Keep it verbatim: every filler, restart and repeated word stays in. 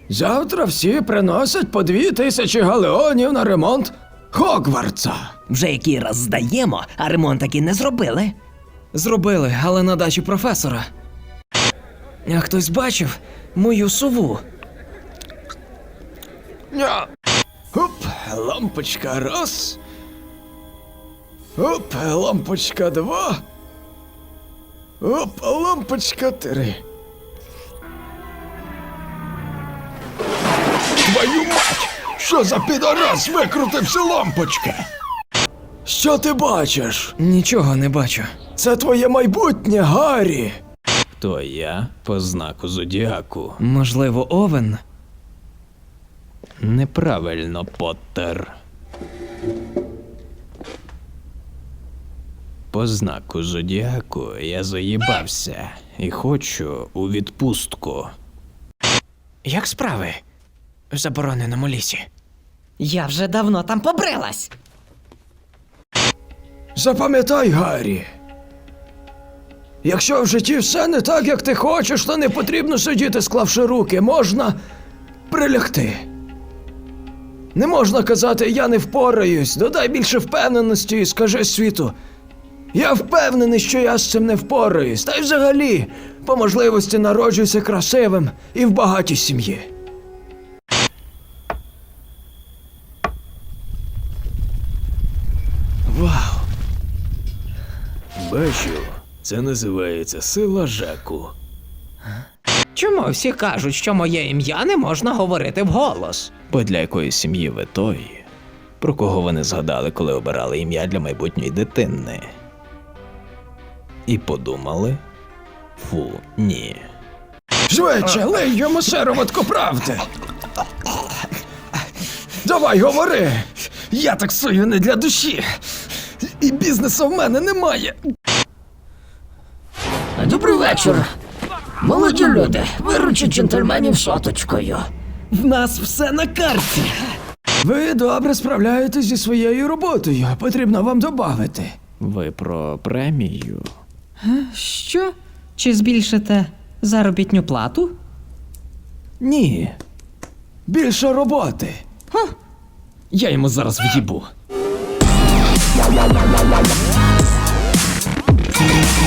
Завтра всі приносять по дві тисячі галеонів на ремонт Хогвартса. Вже який раз здаємо, а ремонт таки не зробили. Зробили, але на дачі професора. А хтось бачив мою сову? Ня. Оп, лампочка раз. Оп, лампочка два. Оп, лампочка три. Твою мать! Що за підорас викрутився лампочка? Що ти бачиш? Нічого не бачу. Це твоє майбутнє, Гаррі. То я по знаку зодіаку. Можливо, Овен? Неправильно, Поттер. По знаку зодіаку я заїбався і хочу у відпустку. Як справи в забороненому лісі? Я вже давно там побрилась. Запам'ятай, Гаррі. Якщо в житті все не так, як ти хочеш, то не потрібно сидіти, склавши руки. Можна прилягти. Не можна казати «я не впораюсь», додай більше впевненості і скажи світу «я впевнений, що я з цим не впораюсь». Та й взагалі, по можливості народжуйся красивим і в багатій сім'ї. Вау! Бачу, це називається сила Жаку. Чому всі кажуть, що моє ім'я не можна говорити вголос? Бо для якої сім'ї ви той, про кого вони згадали, коли обирали ім'я для майбутньої дитини. І подумали? Фу, ні. Швидше, лий йому сироватку правди. Давай, говори. Я таксую не для душі. І бізнесу в мене немає. Добрий вечір. Молоді люди, виручіть джентльменів соточкою. В нас все на карті. Ви добре справляєтесь зі своєю роботою. Потрібно вам добавити. Ви про премію? Що? Чи збільшите заробітню плату? Ні. Більше роботи. Я йому зараз в'їбу.